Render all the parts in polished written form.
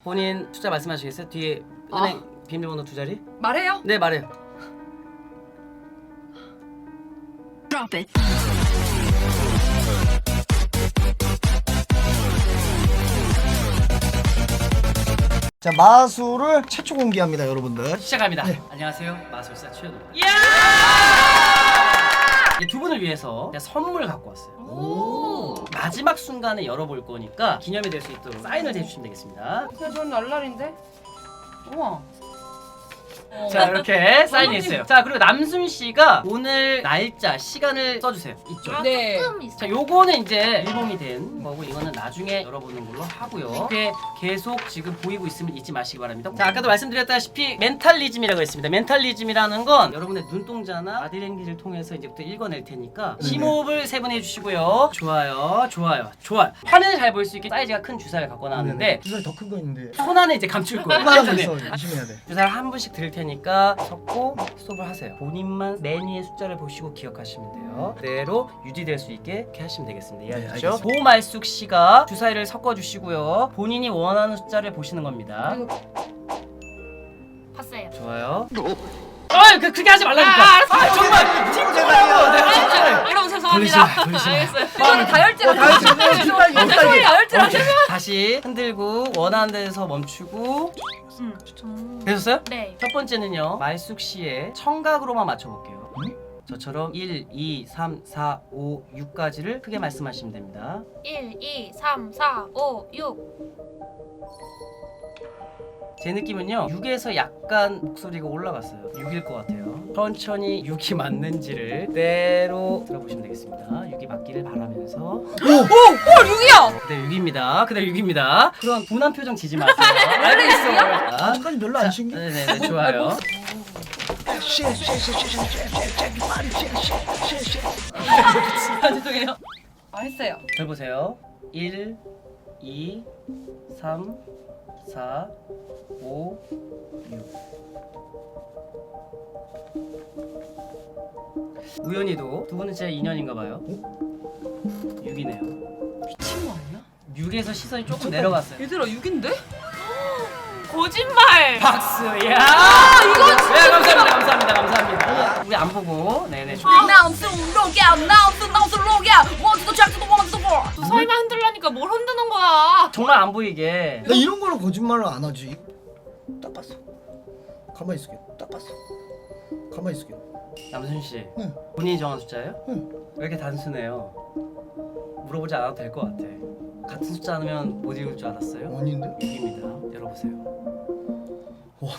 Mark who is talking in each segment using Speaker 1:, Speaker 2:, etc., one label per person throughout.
Speaker 1: 본인 숫자 말씀하시겠어요? 뒤에 은행 비밀번호 2자리?
Speaker 2: 말해요?
Speaker 1: 네, 말해요.
Speaker 3: Drop it.
Speaker 4: 자, 마술을 최초 공개합니다, 여러분들.
Speaker 1: 시작합니다. 안녕하세요, 마술사 최현우. 두 분을 위해서 제가 선물 갖고 왔어요.
Speaker 2: 오.
Speaker 1: 마지막 순간에 열어볼 거니까 기념이 될 수 있도록 사인을 해주시면 되겠습니다.
Speaker 2: 그냥 저는 날라리인데. 우와.
Speaker 1: 자, 이렇게 사인했어요. 자, 그리고 남순 씨가 오늘 날짜, 시간을 써주세요. 이쪽.
Speaker 2: 네.
Speaker 1: 자, 요거는 이제 일봉이 된 거고 이거는 나중에 열어보는 걸로 하고요. 이게 계속 지금 보이고 있으면 잊지 마시기 바랍니다. 자, 아까도 말씀드렸다시피 멘탈리즘이라고 했습니다. 멘탈리즘이라는 건 여러분의 눈동자나 바디랭귀지를 통해서 이제부터 읽어낼 테니까 심호흡을 3번 해주시고요. 좋아요, 좋아요, 좋아요. 화면을 잘 볼 수 있게 사이즈가 큰 주사를 갖고 나왔는데
Speaker 4: 주사위 더 큰 거 있는데.
Speaker 1: 손 안에 이제 감출 거예요.
Speaker 4: 하나 더 있어. 조심해야 돼.
Speaker 1: 주사를 한 분씩 드릴 테니까 섞고 스톱을 하세요. 본인만 매니의 숫자를 보시고 기억하시면 돼요. 그대로 유지될 수 있게 이렇게 하시면 되겠습니다. 이해하셨죠?
Speaker 4: 알겠습니다.
Speaker 1: 보말숙 씨가 주사위를 섞어주시고요. 본인이 원하는 숫자를 보시는 겁니다.
Speaker 3: 봤어요.
Speaker 1: 좋아요. 그렇게 하지 말라니까. 정말 팀플하고 내가 진짜.
Speaker 3: 여러분 죄송합니다.
Speaker 1: 돌리지 마.
Speaker 3: 알겠어요.
Speaker 2: 손이 다혈질. 손이 다혈질.
Speaker 1: 다시 흔들고 원하는 데서 멈추고. 되셨어요?
Speaker 3: 네.
Speaker 1: 첫 번째는요, 말숙 씨의 청각으로만 맞춰볼게요. 저처럼 1, 2, 3, 4, 5, 6까지를 크게 말씀하시면 됩니다.
Speaker 3: 1, 2, 3, 4, 5, 6.
Speaker 1: 제 느낌은요, 6에서 약간 목소리가 올라갔어요. 6일 것 같아요. 천천히 6이 맞는지를 그대로 들어보시면 되겠습니다. 6이 맞기를 바라면서.
Speaker 2: 헐 6이야.
Speaker 1: 그대로 6입니다. 그대로 6입니다. 그런 분한 표정 지지 마세요. 알고 있어요.
Speaker 4: 아직까지 별로 안 신기?
Speaker 1: 네네네, 좋아요.
Speaker 2: 죄송해요. 했어요.
Speaker 1: 잘 보세요. 1, 2, 3, 4, 5, 6. 우연히도 두 분은 진짜 인연인가 봐요. 6이네요.
Speaker 2: 미친 거 아니야?
Speaker 1: 6에서 시선이 조금 내려갔어요.
Speaker 2: 얘들아 6인데?
Speaker 3: 거짓말.
Speaker 1: 박수. 야!
Speaker 2: 이건
Speaker 1: 네, 감사합니다. 감사합니다. 우리 안 보고. 네네.
Speaker 3: 또 설마 흔들라니까 뭘 흔드는 거야?
Speaker 1: 정말 안 보이게.
Speaker 4: 나 이런 거는 거짓말을 안 하지. 딱 봤어. 가만히 있을게. 딱 봤어. 가만히 있을게.
Speaker 1: 남순 씨.
Speaker 4: 응.
Speaker 1: 본인이 정한 숫자예요?
Speaker 4: 응.
Speaker 1: 왜 이렇게 단순해요? 물어보지 않아도 될 것 같아. 같은 숫자 하면 못 읽을 줄 알았어요?
Speaker 4: 아닌데?
Speaker 1: 6입니다. 열어보세요.
Speaker 4: 와.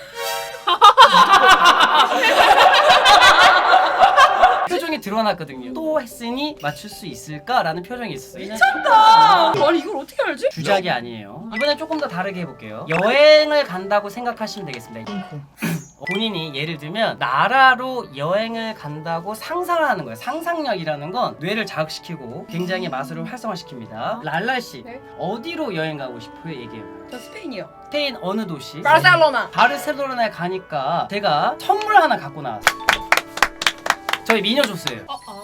Speaker 1: 표정이 드러났거든요. 또 했으니 맞출 수 있을까라는 표정이 있었어요.
Speaker 2: 미쳤다. 아니 이걸 어떻게 알지?
Speaker 1: 주작이 아니에요. 이번엔 조금 더 다르게 해볼게요. 여행을 간다고 생각하시면 되겠습니다. 본인이 예를 들면 나라로 여행을 간다고 상상을 하는 거예요. 상상력이라는 건 뇌를 자극시키고 굉장히 마술을 활성화시킵니다. 랄랄 씨,
Speaker 2: 네?
Speaker 1: 어디로 여행 가고 싶어요? 얘기해요.
Speaker 2: 저 스페인이요.
Speaker 1: 스페인 어느 도시?
Speaker 2: 바르셀로나.
Speaker 1: 바르셀로나에 가니까 제가 선물 하나 갖고 나왔어요. 저희 미녀 줬어요.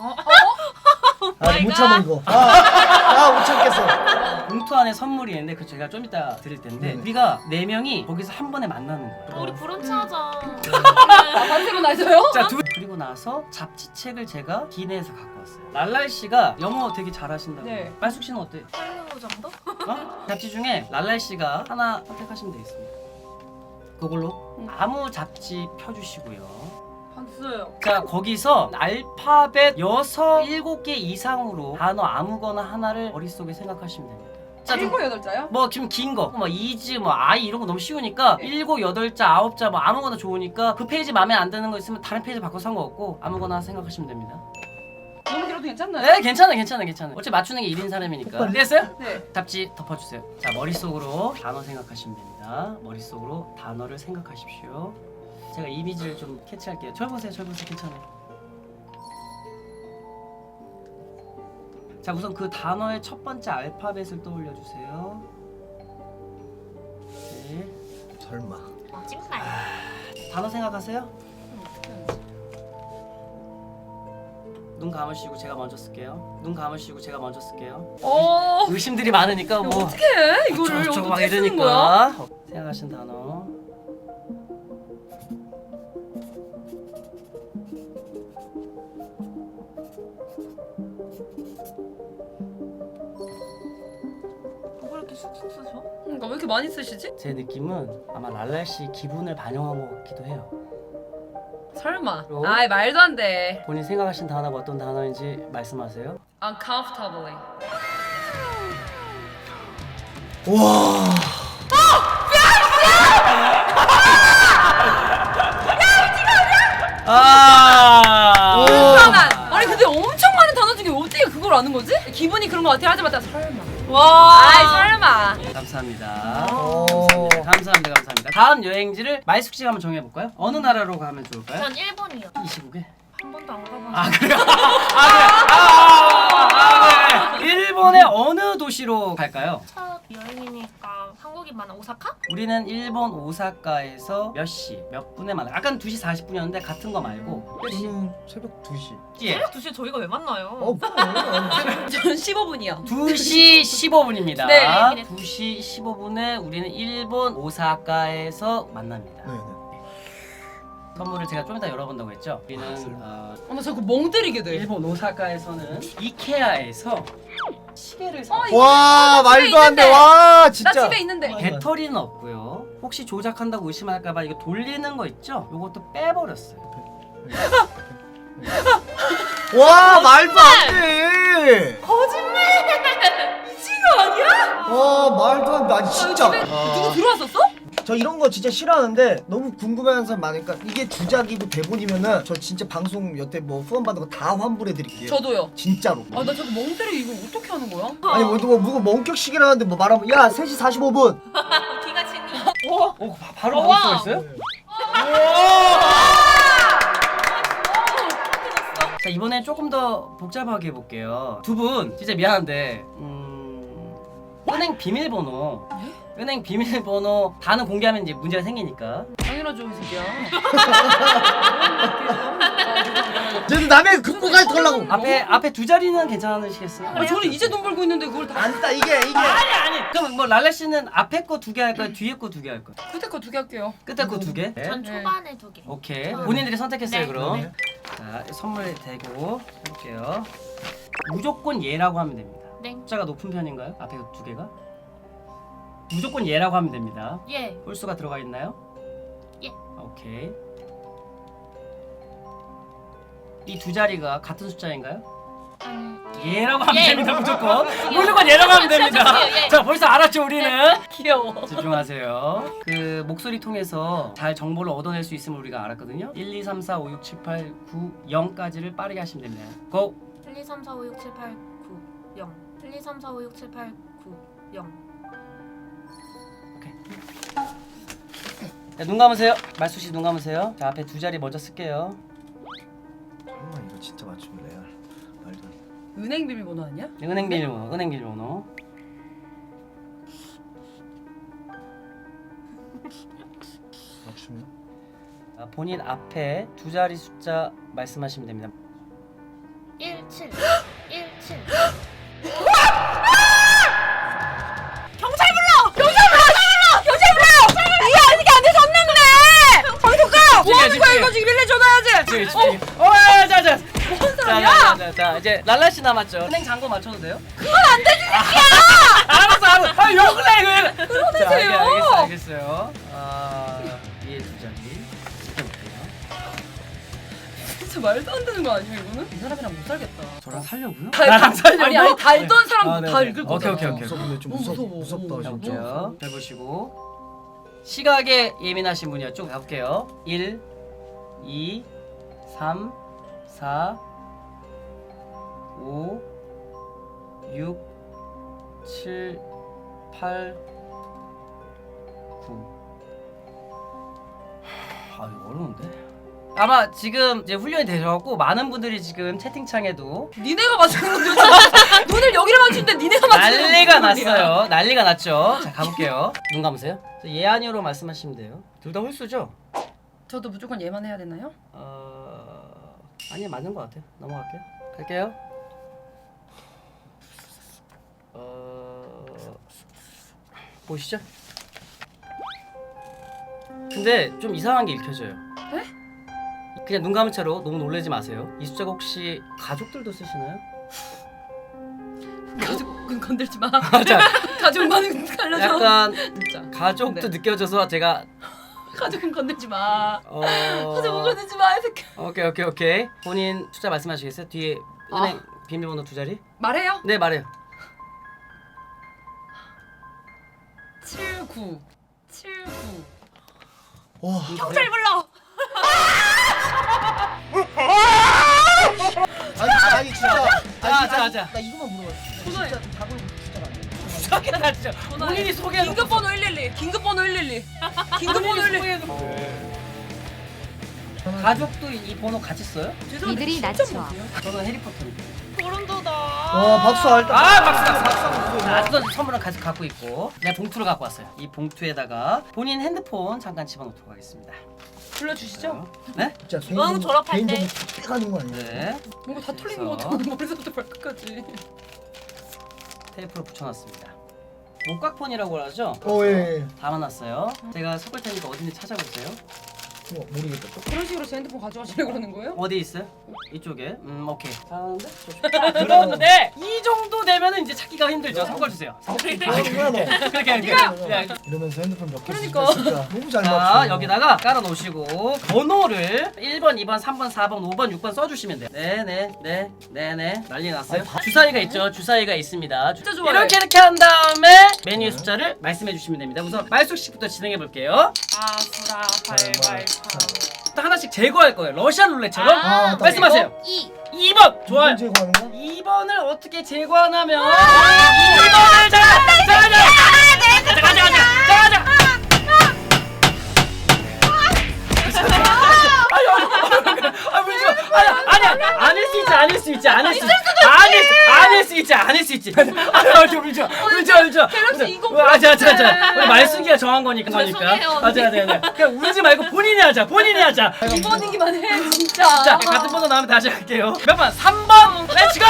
Speaker 4: 못 참아 이거. 못 참겠어.
Speaker 1: 봉투 안에 선물이 있는데 그 제가 좀 이따 드릴 텐데 우리가 4명이 거기서 한 번에 만나는 거예요.
Speaker 3: 우리 브런치 하자.
Speaker 2: 바르셀로나에서요?
Speaker 1: 자, 그리고 나서 잡지책을 제가 기내에서 갖고 왔어요. 랄랄 씨가 영어 되게 잘하신다고.
Speaker 2: 네.
Speaker 1: 말숙 씨는 어때?
Speaker 3: 할로 정도?
Speaker 1: 잡지 중에 랄랄 씨가 하나 선택하시면 되겠습니다. 그걸로 아무 잡지 펴주시고요.
Speaker 2: 봤어요.
Speaker 1: 자, 거기서 알파벳 6, 7개 이상으로 단어 아무거나 하나를 머릿속에 생각하시면 됩니다. 자, 좀
Speaker 2: 7, 8자요?
Speaker 1: 뭐 좀 긴 거, 뭐 이즈, 뭐 아이 이런 거 너무 쉬우니까 7, 8자, 9자 뭐 아무거나 좋으니까 그 페이지 마음에 안 드는 거 있으면 다른 페이지 바꿔서 상관없고 아무거나 생각하시면 됩니다.
Speaker 2: 너무 길어도 괜찮나요?
Speaker 1: 네, 괜찮아요. 어차피 맞추는 게 1인 사람이니까. 됐어요?
Speaker 2: 네.
Speaker 1: 잡지 덮어주세요. 자, 머릿속으로 단어 생각하시면 됩니다. 머릿속으로 단어를 생각하십시오. 제가 이미지를 좀 캐치할게요. 절 보세요. 괜찮아요. 자, 우선 그 단어의 첫 번째 알파벳을 떠올려 주세요. 네.
Speaker 4: 설마.
Speaker 3: 거짓말.
Speaker 1: 단어 생각하세요? 눈 감으시고 제가 먼저 쓸게요. 눈 감으시고 제가 먼저 쓸게요.
Speaker 2: 어.
Speaker 1: 의심들이 많으니까 뭐
Speaker 2: 어떻게 해? 이거를
Speaker 1: 어쩌고 막
Speaker 2: 어떻게 쓰는 거야?
Speaker 1: 이러니까 생각하신 단어.
Speaker 3: 왜 이렇게 쑥쑥 쓰셔?
Speaker 2: 그러니까 왜 이렇게 많이 쓰시지?
Speaker 1: 제 느낌은 아마 랄랄 씨 기분을 반영한 것 같기도 해요.
Speaker 2: 설마.
Speaker 1: 그럼?
Speaker 2: 아이 말도 안 돼.
Speaker 1: 본인 생각하신 단어가 어떤 단어인지 말씀하세요.
Speaker 2: Uncomfortably.
Speaker 4: 와.
Speaker 1: 아.
Speaker 2: 불편한. 아니 근데 엄청 많은 단어 중에 어떻게 그걸 아는 거지? 기분이 그런 거 같아. 하지마. 설마.
Speaker 3: 와.
Speaker 2: 아이 설마.
Speaker 1: 감사합니다.
Speaker 4: 오.
Speaker 1: 감사합니다. 감사합니다. 다음 여행지를 마이숙 씨가 한번 정해 볼까요? 어느 나라로 가면 좋을까요?
Speaker 3: 전 일본이요.
Speaker 1: 이 시국에?
Speaker 3: 한 번도 안 가봤는데.
Speaker 1: 아 그래요? 그래. 일본의 어느 도시로 갈까요?
Speaker 3: 첫 여행이니까 한국이만 오사카?
Speaker 1: 우리는 일본 오사카에서 몇 시, 몇 분에 만나. 아까는 2시 40분이었는데 같은 거 말고
Speaker 4: 저는 새벽 2시.
Speaker 1: 예.
Speaker 3: 새벽 2시에 저희가 왜 만나요?
Speaker 4: 그럼.
Speaker 2: 전 15분이요.
Speaker 1: 2시 15분입니다.
Speaker 2: 네.
Speaker 1: 2시 15분에 우리는 일본 오사카에서 만납니다.
Speaker 4: 네네.
Speaker 1: 선물을 제가 좀 이따 열어본다고 했죠. 우리는
Speaker 2: 어머 자꾸 멍 때리게 돼.
Speaker 1: 일본 오사카에서는 이케아에서 시계를 사.
Speaker 4: 와
Speaker 2: 집에
Speaker 4: 말도 안 돼.
Speaker 2: 있는데.
Speaker 4: 와
Speaker 2: 나
Speaker 4: 진짜.
Speaker 2: 집에 있는데.
Speaker 1: 배터리는 없고요. 혹시 조작한다고 의심할까봐 이거 돌리는 거 있죠? 요것도 빼버렸어요.
Speaker 4: 와 말도 안 돼.
Speaker 2: 미친 거 아니야?
Speaker 4: 와 말도 안 돼. 아니 진짜.
Speaker 2: 집에 누구 들어왔었어?
Speaker 4: 저 이런 거 진짜 싫어하는데 너무 궁금해하는 사람 많으니까 이게 주작이고 대본이면은 저 진짜 방송 여태 뭐 후원 받은 거 다 환불해 드릴게요.
Speaker 2: 저도요.
Speaker 4: 진짜로.
Speaker 2: 아 나 자꾸 멍 때리고 이거 어떻게 하는 거야?
Speaker 4: 아니 뭐 누가 원격식이라는데 뭐 말하면 야 3시 45분.
Speaker 3: 기가 치니.
Speaker 1: 바로
Speaker 3: 우와.
Speaker 1: 바꿀 수가 있어요? 자 이번엔 조금 더 복잡하게 해볼게요. 두 분 진짜 미안한데 은행 비밀번호 은행 비밀번호 다는 공개하면 이제 문제가 생기니까
Speaker 2: 당연하죠 이 새끼야.
Speaker 4: 쟤는 남의 금고까지 털라고.
Speaker 1: 앞에 두 자리는 괜찮으시겠어요?
Speaker 2: 아 저는 이제 돈 벌고 있는데 그걸 다
Speaker 4: 안다 이게.
Speaker 1: 아니 그럼 뭐 랄라 씨는 앞에 거 두 개 할 거예요? 뒤에 거 두 개 할 거예요?
Speaker 2: 끝에 거 두 개 할게요.
Speaker 1: 끝에 거 두 개?
Speaker 3: 전 초반에 2개.
Speaker 1: 오케이 본인들이 선택했어요
Speaker 3: 네.
Speaker 1: 그럼
Speaker 4: 네.
Speaker 1: 자 선물 대고 해볼게요. 무조건 예라고 하면 됩니다.
Speaker 3: 네.
Speaker 1: 숫자가 높은 편인가요? 앞에 두 개가? 무조건 예라고 하면 됩니다.
Speaker 3: 예.
Speaker 1: 홀수가 들어가 있나요?
Speaker 3: 예.
Speaker 1: 오케이. 이 두 자리가 같은 숫자인가요? 예라고 하면
Speaker 3: 예.
Speaker 1: 됩니다 무조건. 무조건 예라고 하면 됩니다.
Speaker 3: 예.
Speaker 1: 자 벌써 알았죠 우리는?
Speaker 2: 귀여워.
Speaker 1: 집중하세요. 그 목소리 통해서 잘 정보를 얻어낼 수 있음을 우리가 알았거든요. 1, 2, 3, 4, 5, 6, 7, 8, 9, 0까지를 빠르게 하시면 됩니다. 고!
Speaker 3: 1, 2, 3, 4, 5, 6, 7, 8, 9, 0. 1, 2, 3, 4, 5, 6, 7, 8, 9, 0.
Speaker 1: 자, 눈 감으세요. 말수 씨 눈 감으세요. 자 앞에 두 자리 먼저 쓸게요.
Speaker 4: 정말 이거 진짜 맞추면 레알. 말도 안 돼.
Speaker 2: 은행 비밀번호 아니야?
Speaker 1: 은행 비밀번호. 은행 비밀번호.
Speaker 4: 맞추면.
Speaker 1: 본인 앞에 두 자리 숫자 말씀하시면 됩니다.
Speaker 3: 1, 7. 1, 7.
Speaker 2: 뭐 하는 거야 이거 지금 일일이 전화해야지.
Speaker 1: 자자.
Speaker 2: 뭔 소리야?
Speaker 1: 자 이제 랄라 씨 남았죠. 은행 잔고 맞춰도 돼요? 그건 안 되지 새끼야. 알았어. 아 욕을 해 그.
Speaker 2: 그러세요.
Speaker 1: 알겠어요. 얘 두 자리 지켜볼게요.
Speaker 2: 진짜 말도 안 되는 거 아니에요 이거는? 이 사람이랑 못 살겠다.
Speaker 1: 저랑 살려고요?
Speaker 2: 다
Speaker 1: 나랑 살려고?
Speaker 2: 아니 다 읽던 사람
Speaker 1: 아, 네,
Speaker 2: 다
Speaker 1: 네.
Speaker 2: 읽을
Speaker 1: 오케이,
Speaker 2: 거잖아.
Speaker 1: 오케이, 오케이.
Speaker 4: 무섭네 좀
Speaker 2: 너무 무서워.
Speaker 4: 무섭다
Speaker 2: 너무
Speaker 4: 진짜.
Speaker 1: 해볼게요. 해보시고 시각에 예민하신 분이요. 쭉 가볼게요. 1, 2, 3, 4, 5, 6, 7, 8, 9. 아 이거 어려운데. 아마 지금 이제 훈련이 되셔갖고 많은 분들이 지금 채팅창에도
Speaker 2: 니네가 맞추는 건 도대체 눈을 여기를 맞추는데 니네가 맞추는 건
Speaker 1: 난리가
Speaker 2: 무슨 소리야?
Speaker 1: 났어요. 난리가 났죠. 자 가볼게요. 눈 감으세요. 예 아니오로 말씀하시면 돼요. 둘 다 홀수죠?
Speaker 2: 저도 무조건 얘만 해야 되나요?
Speaker 1: 아니 맞는 것 같아요. 넘어갈게요. 갈게요. 보시죠. 근데 좀 이상한 게 읽혀져요.
Speaker 2: 네?
Speaker 1: 그냥 눈 감은 채로 너무 놀라지 마세요. 이 숫자가 혹시 가족들도 쓰시나요?
Speaker 2: 가족은 건들지 마.
Speaker 1: 자,
Speaker 2: 가족만은 갈려줘.
Speaker 1: 약간
Speaker 2: 진짜.
Speaker 1: 가족도
Speaker 2: 네.
Speaker 1: 느껴져서 제가
Speaker 2: 가족은 건들지 마. 가족은 건들지 마. 이 새끼.
Speaker 1: 오케이. 본인 숫자 말씀하시겠어요? 뒤에 은행 비밀번호 2자리?
Speaker 2: 말해요.
Speaker 1: 네, 말해요.
Speaker 2: 79.
Speaker 4: 와.
Speaker 2: 경찰 불러.
Speaker 4: 아니 진짜.
Speaker 1: 자.
Speaker 4: 나 이거만 물어봤어.
Speaker 2: 전화해.
Speaker 4: 진짜 답을 숫자가 안 돼.
Speaker 1: 소개나 진짜. 본인이 소개.
Speaker 2: 긴급번호 112. 긴급번호 112. 긴급번호 112.
Speaker 1: 가족도 이 번호 같이 써요?
Speaker 2: 죄송한데
Speaker 5: 이들이
Speaker 2: 진짜
Speaker 5: 낮춰.
Speaker 2: 못해요?
Speaker 1: 저는 해리포터입니다.
Speaker 2: 소름 돋아.
Speaker 4: 와 박수 할 때.
Speaker 1: 박수. 자, 또 선물을 같이 갖고 있고, 내가 봉투를 갖고 왔어요. 이 봉투에다가 본인 핸드폰 잠깐 집어넣도록 하겠습니다.
Speaker 2: 불러주시죠.
Speaker 1: 네?
Speaker 4: 진짜
Speaker 3: 응, 졸업할 때.
Speaker 4: 개인정보 빼가는 거 아니야?
Speaker 1: 네.
Speaker 2: 뭔가 다 틀린 것 같아. 머리부터 발끝까지.
Speaker 1: 테이프로 붙여놨습니다. 목각폰이라고 하죠?
Speaker 4: 예.
Speaker 1: 담아놨어요. 제가 섞을 테니까 어딘지 찾아보세요.
Speaker 4: 모르겠다. 또.
Speaker 2: 그런 식으로 제 핸드폰 가져가시려고 그러는 거예요?
Speaker 1: 어디 있어요? 이쪽에. 오케이. 잘하는데? 그런데 이 정도 되면은 이제 찾기가 힘들죠. 섞어 주세요.
Speaker 4: 뭐야 너?
Speaker 1: 그렇게.
Speaker 4: 이러면서 핸드폰 몇 개
Speaker 2: 그러니까.
Speaker 4: 쓰니까 너무 잘
Speaker 1: 자,
Speaker 4: 맞춰.
Speaker 1: 여기다가 깔아 놓으시고 번호를 1번, 2번, 3번, 4번, 5번, 6번 써 주시면 돼요. 네네. 난리 났어요. 주사위가 있죠. 주사위가 있습니다.
Speaker 2: 진짜 좋아요.
Speaker 1: 이렇게 한 다음에 메뉴 숫자를 말씀해 주시면 됩니다. 우선 말숙 씨부터 진행해 볼게요.
Speaker 3: 아수라 발발파.
Speaker 1: 또 하나씩 제거할 거예요. 러시안 룰렛처럼.
Speaker 4: 아,
Speaker 1: 말씀하세요. 2번 좋아요.
Speaker 4: 제거하는 거?
Speaker 1: 2번을 어떻게 제거하냐면 2번을 가자. 아닐 수 있지.
Speaker 2: 갤럭시 이거
Speaker 1: 우리 말숙이가 정한 거니까.
Speaker 3: 죄송해요, 언니.
Speaker 1: 그냥 울지 말고 본인이 하자.
Speaker 2: 2번이기만 해 진짜.
Speaker 1: 자, 같은 번호 나오면 다시 할게요. 몇 번? 3번. 렛츠고.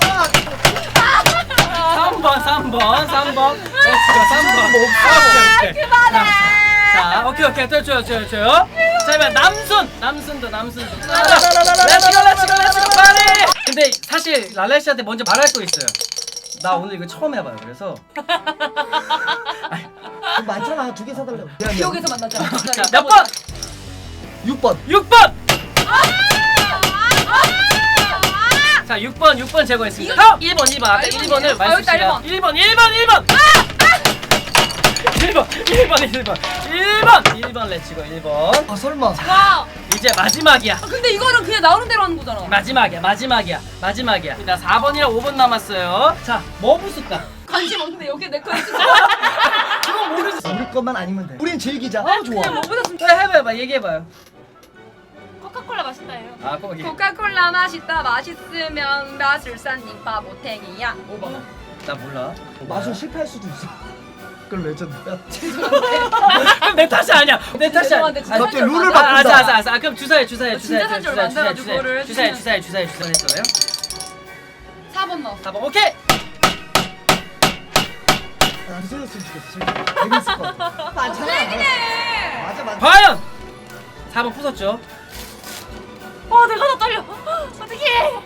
Speaker 1: 3번. 렛츠고. 3번. 자, 오케이. 또 줘요. 자, 이번 남순도. 렛츠고, 빨리. 근데 사실 랄레 씨한테 먼저 말할 거 있어요. 나 오늘 이거 처음 해봐요. 그래서
Speaker 4: 많잖아. 2개 사달라고.
Speaker 2: 기억에서 만나자.
Speaker 1: 자, 몇 번?
Speaker 4: 6번.
Speaker 1: 6번. 자, 6번 제거했습니다. 다음 1번. 아까 1번을 말씀 씨가 1번. 1번 렛츠고 1번.
Speaker 4: 아 설마.
Speaker 2: 와.
Speaker 1: 이제 마지막이야.
Speaker 2: 근데 이거는 그냥 나오는 대로 하는 거잖아.
Speaker 1: 마지막이야. 나 4번이랑 5번 남았어요. 자, 뭐 부술까?
Speaker 2: 관심 없는데 여기 내 거 있어.
Speaker 1: 그건 모르겠어.
Speaker 4: 우리 것만 아니면 돼. 우린 즐기자. 아 좋아.
Speaker 2: 그냥 뭐보다 좀.
Speaker 1: 해봐요. 얘기해봐요.
Speaker 3: 코카콜라 맛있다예요.
Speaker 1: 아, 거기.
Speaker 2: 코카콜라 맛있으면 마술사님 바보탱이야.
Speaker 1: 5번. 나 몰라.
Speaker 4: 맛은 실패할 수도 있어. 그걸 레전드야.
Speaker 1: 그럼 내 탓이 아니야.
Speaker 2: 죄송한데 진짜
Speaker 4: 갑자기
Speaker 2: 살줄
Speaker 4: 룰을
Speaker 2: 만나.
Speaker 4: 바꾼다.
Speaker 1: 알았어. 그럼 주사해.
Speaker 2: 진짜 살줄 만나가지고 그거를
Speaker 1: 주사해 했어요.
Speaker 2: 4번 넣어.
Speaker 1: 4번. 오케이.
Speaker 4: 안 세졌으면 좋겠어. 재밌을 것 같아. 많잖아. 맞아.
Speaker 1: 과연 4번 부쉈죠?
Speaker 3: 내가 더 떨려. 어떡해.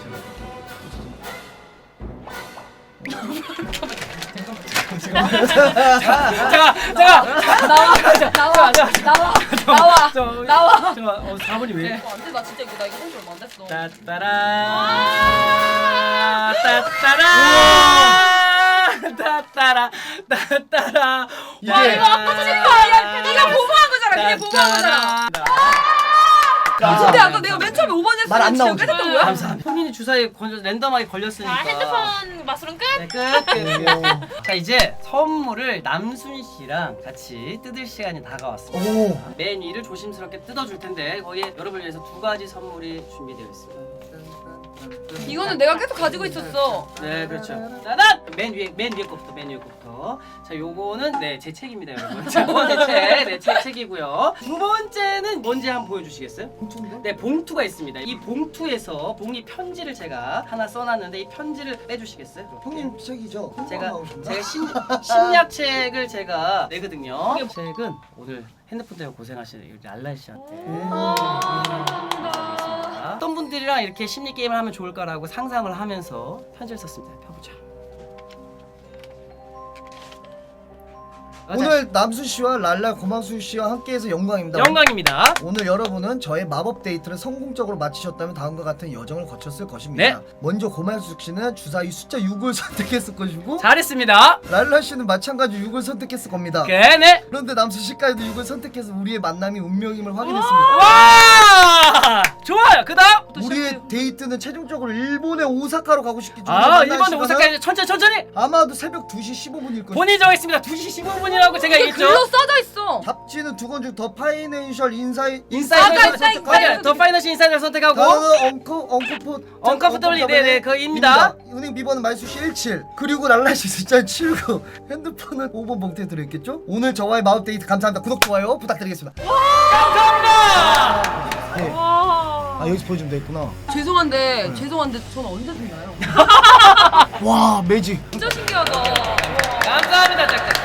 Speaker 1: 나와. 4번이 왜?
Speaker 2: 안돼 나 진짜 이거 한줄 얼마 안 됐어.
Speaker 1: 따따라.
Speaker 4: 이게
Speaker 2: 이거 아까 전에 거야. 네가 보고한 거잖아. 그냥 보고한 거잖아. 근데 아까 내가 맨 처음에 5번 했을
Speaker 4: 말안
Speaker 2: 때 진짜
Speaker 4: 나오지.
Speaker 2: 끝냈던 거야?
Speaker 1: 감사합니다. 본인이 주사에 랜덤하게 걸렸으니까.
Speaker 3: 핸드폰 맛으로는 끝.
Speaker 1: 네, 끝. 자, 이제 선물을 남순 씨랑 같이 뜯을 시간이 다가왔습니다.
Speaker 4: 오.
Speaker 1: 맨 위를 조심스럽게 뜯어줄 텐데 거기에 여러분을 위해서 2가지 선물이 준비되어 있습니다.
Speaker 2: 이거는 내가 계속 가지고 있었어.
Speaker 1: 네, 그렇죠. 짜잔! 맨 위에 거부터. 자, 요거는 네, 제 책입니다, 여러분. 자, 제 책이고요. 두 번째는 뭔지 한번 보여주시겠어요?
Speaker 4: 봉투인데?
Speaker 1: 네, 봉투가 있습니다. 이 봉투에서 봉이 편지를 제가 하나 써놨는데 이 편지를 빼주시겠어요?
Speaker 4: 형님 책이죠?
Speaker 1: 제가
Speaker 4: 나오신다.
Speaker 1: 심리학책을 제가 내거든요. 이 책은 오늘 핸드폰 때문에 고생하시는 우리 랄라 씨한테 드리겠습니다. 어떤 분들이랑 이렇게 심리 게임을 하면 좋을까라고 상상을 하면서 편지를 썼습니다. 펴보자.
Speaker 4: 오늘 남수 씨와 랄라 고망수 씨와 함께해서 영광입니다.
Speaker 1: 영광입니다.
Speaker 4: 오늘 여러분은 저의 마법 데이트를 성공적으로 마치셨다면 다음과 같은 여정을 거쳤을 것입니다.
Speaker 1: 네.
Speaker 4: 먼저 고만수 씨는 주사위 숫자 6을 선택했을 것이고
Speaker 1: 잘했습니다.
Speaker 4: 랄라 씨는 마찬가지 6을 선택했을 겁니다.
Speaker 1: 네.
Speaker 4: 그런데 남수 씨까지도 6을 선택해서 우리의 만남이 운명임을 확인했습니다.
Speaker 1: 와! 좋아요. 그다음
Speaker 4: 우리의 데이트는 최종적으로 일본의 오사카로 가고 싶기 때문에
Speaker 1: 일본의 오사카 천천히
Speaker 4: 아마도 새벽 2시 15분일 것입니다.
Speaker 1: 본인 정했습니다. 2시 15분이라고 제가
Speaker 2: 이게
Speaker 1: 얘기했죠.
Speaker 2: 글로 써져 있어.
Speaker 4: 잡지는 두 권 중 더 파이낸셜
Speaker 1: 인사이드 더 파이낸셜 인사이드를 선택하고
Speaker 4: 단어는
Speaker 1: 언컴포터블리 네네 거기입니다.
Speaker 4: 은행 비번은 말수시 17 그리고 랄라시 숫자 79 핸드폰은 5번 봉투에 들어있겠죠? 오늘 저와의 마법 데이트 감사합니다. 구독 좋아요 부탁드리겠습니다.
Speaker 1: 감사합니다.
Speaker 4: 네.
Speaker 2: 와.
Speaker 4: 아 여기서 보여주면 되겠구나.
Speaker 2: 죄송한데 전 언제 듣나요?
Speaker 4: 와 매직.
Speaker 2: 진짜 신기하다.
Speaker 1: 감사합니다. 잠깐.